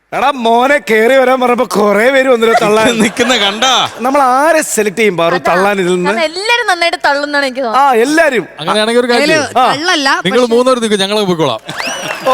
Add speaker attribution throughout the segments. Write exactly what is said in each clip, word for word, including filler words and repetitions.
Speaker 1: എടാ മോനെ കേറി വരാൻ പറഞ്ഞപ്പോ കൊറേ പേര് വന്നില്ല തള്ളാൻ
Speaker 2: നിക്കുന്ന കണ്ടാ.
Speaker 1: നമ്മൾ ആരെ സെലക്ട് ചെയ്യും പാറു തള്ളാൻ ഇതിൽ നിന്ന്?
Speaker 3: എല്ലാരും നന്നായിട്ട് തള്ളുന്നാണ് എനിക്ക്
Speaker 1: ആ എല്ലാരും
Speaker 4: അങ്ങനെയാണെങ്കിൽ ഒരു കാര്യം നിങ്ങൾ മൂന്നൂർ നിൽക്കും, ഞങ്ങൾ പോയിക്കോളാം.
Speaker 1: ഓ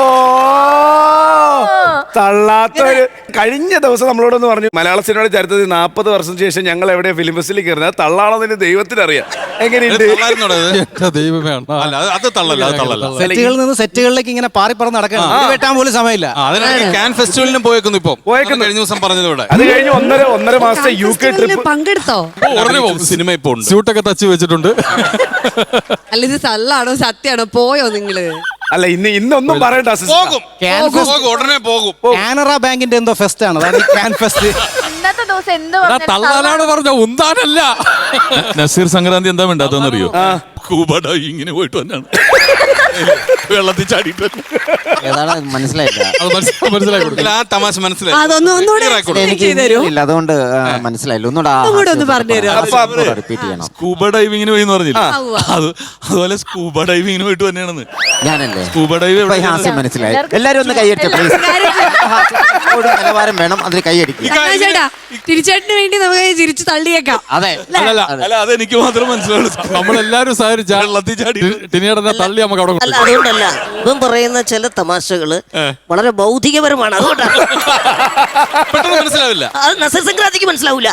Speaker 1: തള്ളാത്തൊരു. കഴിഞ്ഞ ദിവസം നമ്മളോടൊന്ന് പറഞ്ഞു മലയാള സിനിമയുടെ ചരിത്രത്തിൽ നാപ്പത് വർഷത്തിന് ശേഷം ഞങ്ങൾ എവിടെ ഫിലിം ഫെസ്റ്റിൽ കയറുന്നത് തള്ളാണെന്ന് ദൈവത്തിനറിയാം. എങ്ങനെയുണ്ട്?
Speaker 4: ദൈവമേ,
Speaker 2: അത് തള്ളല്ല, അത് തള്ളല്ല.
Speaker 5: സെറ്റുകളിൽ നിന്ന് സെറ്റുകളിലേക്ക് ഇങ്ങനെ പാറി പറന്ന് നടക്കണം, വെട്ടാൻ പോലും സമയമില്ല.
Speaker 2: അതിനാണ് ക്യാൻ ഫെസ്റ്റിവലിനും പോയേക്കുന്നു ഇപ്പൊ. പോയേക്കുന്നു കഴിഞ്ഞ ദിവസം പറഞ്ഞതോടെ.
Speaker 1: അത് കഴിഞ്ഞ് ഒന്നര ഒന്നര മാസത്തെ യു കെ ട്രിപ്പ്
Speaker 6: പങ്കെടുത്തോ?
Speaker 2: ഉടനെ പോകും. സിനിമ ഇപ്പൊ ഉണ്ട്.
Speaker 4: സ്യൂട്ടൊക്കെ തച്ച് വെച്ചിട്ടുണ്ട്.
Speaker 6: അല്ല ഇത് തള്ളാണോ സത്യാണോ? പോയോ നിങ്ങള്?
Speaker 1: അല്ല ഇന്ന് ഇന്നൊന്നും പറയണ്ട.
Speaker 2: പോകും, ഉടനെ പോകും.
Speaker 5: കാനറ ബാങ്കിന്റെ എന്തോ ഫെസ്റ്റ് ആണ്, അതാണ് ക്യാൻ ഫെസ്റ്റ്.
Speaker 3: ഇന്നത്തെ ദിവസം എന്ത്
Speaker 4: തള്ളാനാണ് പറഞ്ഞ ഉന്താനല്ല.
Speaker 2: നസീർ സംക്രാന്തി എന്താ വേണ്ടാത്തറിയോ? കൂബട ഇങ്ങനെ പോയിട്ട് വന്നാണ് വെള്ളത്തിൽ ചാടിയിട്ട്.
Speaker 7: ഏതാണ് മനസ്സിലായില്ല.
Speaker 2: മനസ്സിലായി ആ തമാശ മനസ്സിലായി.
Speaker 6: അതൊന്നും ഒന്നുകൂടെ
Speaker 7: ഇല്ല, അതുകൊണ്ട് മനസ്സിലായില്ല. ഒന്നുകൂടെ
Speaker 6: ഒന്ന് പറഞ്ഞുതരുമോ?
Speaker 7: റിപ്പീറ്റ് ചെയ്യണം.
Speaker 2: സ്കൂബ ഡൈവിങ്ങിന് പോയി പറഞ്ഞില്ല, അത് അതുപോലെ സ്കൂബ ഡൈവിങ്ങിന് പോയിട്ട് തന്നെയാണെന്ന്.
Speaker 7: ഞാനല്ലേ
Speaker 2: സ്കൂബ ഡൈവ്
Speaker 7: ഹാസ്യം മനസ്സിലായി. എല്ലാരും ഒന്ന് കൈയടിച്ചു പ്ലീസ്. നിലവാരം വേണം, അതിന് കൈയടിക്കും.
Speaker 6: ചേട്ടാ തിരിച്ചേട്ടിന് വേണ്ടി നമുക്ക് ചിരിച്ചു തള്ളിയേക്കാം.
Speaker 7: അതെ,
Speaker 2: അല്ല അതെനിക്ക് മാത്രം മനസ്സിലാവുള്ളൂ.
Speaker 4: നമ്മളെല്ലാരും വെള്ളത്തിൽ ചാടി ടിനിയുടെ തള്ളി നമുക്ക് അവിടെ.
Speaker 8: അല്ല അതുകൊണ്ടല്ല, ഇവൻ പറയുന്ന ചില തമാശകള് വളരെ ഭൗതികപരമാണ്. അതുകൊണ്ടാണ്
Speaker 2: പെട്ടെന്ന് മനസ്സിലാവില്ല.
Speaker 8: അത് നസീർ സംക്രാന്തിക്ക് മനസ്സിലാവൂല.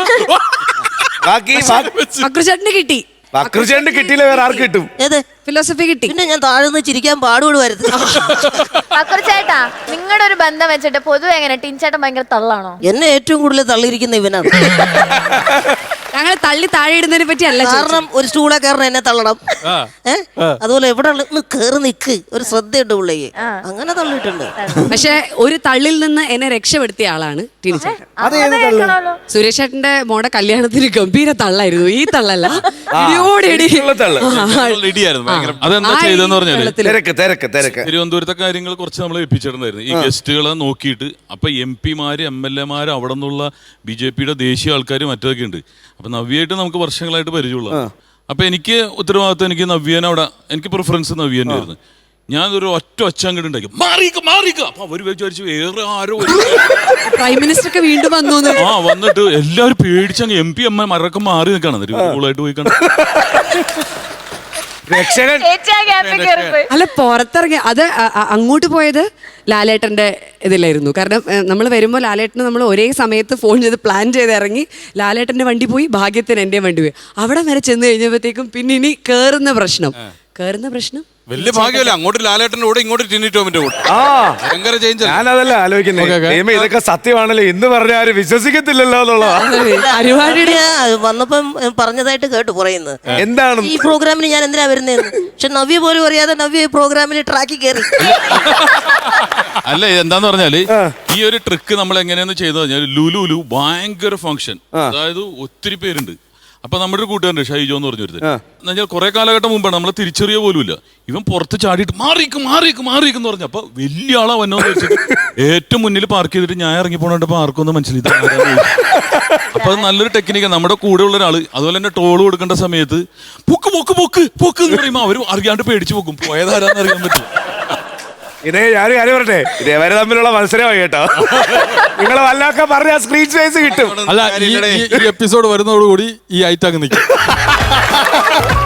Speaker 6: അക്രുചേട്ടന് കിട്ടി.
Speaker 1: അക്രുചേട്ടന് കിട്ടിയില്ല, വേറെ ആർക്ക് കിട്ടും?
Speaker 8: ഏത്
Speaker 6: ഫിലോസഫി കിട്ടി.
Speaker 8: പിന്നെ ഞാൻ താഴ്ന്ന് ചിരിക്കാൻ പാടുപെടുവായിരുന്നു.
Speaker 3: ചേട്ടാ നിങ്ങളുടെ ഒരു ബന്ധം വെച്ചിട്ട് പൊതുവെ എങ്ങനെ ടിൻചേട്ടൻ ഭയങ്കര തള്ളാണോ?
Speaker 8: എന്നെ ഏറ്റവും കൂടുതൽ തള്ളിയിരിക്കുന്ന ഇവനാണ്.
Speaker 6: ഞങ്ങളെ തള്ളി താഴെ ഇടുന്നതിനെ പറ്റി അല്ല,
Speaker 8: കാരണം ഒരു സ്റ്റൂളെ കയറണം, എന്നെ തള്ളണം. ഏഹ് അതുപോലെ എവിടെ കേറി നിക്ക്, ഒരു ശ്രദ്ധയുണ്ട് പുള്ളിക്ക്, അങ്ങനെ തള്ളിയിട്ടുണ്ട്.
Speaker 6: പക്ഷെ ഒരു തള്ളിൽ നിന്ന് എന്നെ രക്ഷപ്പെടുത്തിയ ആളാണ് ടിനിച്ചേട്ടൻ. സുരേഷ് ചേട്ടന്റെ മോടെ കല്യാണത്തിന് ഗംഭീര തള്ളായിരുന്നു. ഈ തള്ളല്ല,
Speaker 2: അതെന്താ ചെയ്തെന്ന് പറഞ്ഞാല്
Speaker 1: തിരക്ക് തിരക്ക് തിരക്ക്
Speaker 2: തിരുവനന്തപുരത്തെ കാര്യങ്ങൾ കുറച്ച് നമ്മൾ ഏൽപ്പിച്ചിട്ടുണ്ടായിരുന്നു ഈ ഗസ്റ്റുകളെ നോക്കിയിട്ട്. അപ്പൊ എം പിമാര് എം എൽ എമാര് അവിടെ നിന്നുള്ള ബി ജെ പിയുടെ ദേശീയ ആൾക്കാർ മറ്റൊക്കെ ഉണ്ട്. അപ്പൊ നവ്യയായിട്ട് നമുക്ക് വർഷങ്ങളായിട്ട് പരിചയമുള്ള. അപ്പൊ എനിക്ക് ഉത്തരവാദിത്വം, എനിക്ക് നവ്യേനെ അവിടെ, എനിക്ക് പ്രിഫറൻസ് നവ്യേനെ ആയിരുന്നു. ഞാൻ ഒരു ഒറ്റ ഒച്ച അങ്ങോട്ട് ഉണ്ടാക്കി മാറിക്ക മാറിക്ക. അപ്പൊ അവര് വിചാരിച്ചു വേറെ ആരോ
Speaker 6: പ്രൈം മിനിസ്റ്റർ ഒക്കെ വീണ്ടും വന്നു.
Speaker 2: ആ വന്നിട്ട് എല്ലാവരും പേടിച്ചങ്ങ് എം പി എം മരൊക്കെ മാറി നിൽക്കണം. കൂളായിട്ട് പോയി കാണാം.
Speaker 6: അല്ല പുറത്തിറങ്ങി അത് അങ്ങോട്ട് പോയത് ലാലേട്ടന്റെ ഇതിലായിരുന്നു. കാരണം നമ്മൾ വരുമ്പോൾ ലാലേട്ടന് നമ്മൾ ഒരേ സമയത്ത് ഫോൺ ചെയ്ത് പ്ലാൻ ചെയ്ത് ഇറങ്ങി. ലാലേട്ടന്റെ വണ്ടി പോയി, ഭാഗ്യത്തിന് എൻ്റെ വണ്ടി പോയി. അവിടെ വരെ ചെന്ന് കഴിഞ്ഞപ്പോഴത്തേക്കും പിന്നെ ഇനി കേറുന്ന പ്രശ്നം കേറുന്ന പ്രശ്നം
Speaker 2: വലിയ ഭാഗ്യമല്ല. അങ്ങോട്ട് ലാലേട്ടൻ്റെ കൂടെ, ഇങ്ങോട്ട് ടിനി ടോമിന്റെ കൂടെ.
Speaker 1: ആ
Speaker 2: ഭയങ്കര ചേഞ്ച്.
Speaker 1: ഞാനതല്ല ആലോചിക്കുന്നത്, ഇതൊക്കെ സത്യമാണല്ലോ എന്ന് പറഞ്ഞാൽ ആരും വിശ്വസിക്കത്തില്ലല്ലോ എന്നുള്ളതാണ്.
Speaker 8: വന്നപ്പം പറഞ്ഞതായിട്ട് കേട്ടു പറയുന്നത്.
Speaker 1: എന്താണ്
Speaker 8: ഈ പ്രോഗ്രാമിന് ഞാൻ എന്തിനാ വരുന്നതെന്ന്. പക്ഷെ നവ്യ പോലും അറിയാതെ നവ്യ ഈ പ്രോഗ്രാമിൽ ട്രാക്കിൽ കയറി.
Speaker 2: അല്ല എന്താന്ന് പറഞ്ഞാല് ഈ ഒരു ട്രിക്ക് നമ്മൾ എങ്ങനെയാന്ന് ചെയ്തു കഴിഞ്ഞാൽ ലുലുലു ഭയങ്കര ഫംഗ്ഷൻ, അതായത് ഒത്തിരി പേരുണ്ട്. അപ്പൊ നമ്മുടെ ഒരു കൂട്ടുകാരുണ്ട് ഷൈജോ എന്ന് പറഞ്ഞു വരുന്നത്. എന്നാൽ കുറെ കാലഘട്ടം മുമ്പാണ്, നമ്മളെ തിരിച്ചറിയ പോലുമില്ല. ഇവൻ പുറത്ത് ചാടിയിട്ട് മാറിക്ക് മാറിക്ക് മാറിക്കെന്ന് പറഞ്ഞു. അപ്പൊ വലിയ ആളാ വന്നോന്ന് വെച്ചിട്ട് ഏറ്റവും മുന്നിൽ പാർക്ക് ചെയ്തിട്ട് ഞാൻ ഇറങ്ങി പോകണ്ടപ്പോ ആർക്കൊന്നും മനസ്സിലായി. അപ്പൊ അത് നല്ലൊരു ടെക്നിക്കാണ്. നമ്മുടെ കൂടെ ഉള്ള ഒരാള് അതുപോലെ തന്നെ ടോള് കൊടുക്കേണ്ട സമയത്ത് പൊക്ക് പൊക്ക് പൊക്ക് പൊക്ക് എന്ന് പറയുമ്പോ അവര് അറിയാണ്ട് പേടിച്ചു പോക്കും. പോയതാരാന്ന് അറിയാൻ പറ്റും.
Speaker 1: ഇതേ ഞാനും കാര്യം പറട്ടെ, ഇതേവരെ തമ്മിലുള്ള മത്സരമായി കേട്ടോ. നിങ്ങളെ വല്ലതൊക്കെ പറഞ്ഞ സ്ക്രീൻ സ്പേസ് കിട്ടും.
Speaker 4: അല്ല ഈ എപ്പിസോഡ് വരുന്നതോടുകൂടി ഈ ഐറ്റം അങ്ങ് നിൽക്കും.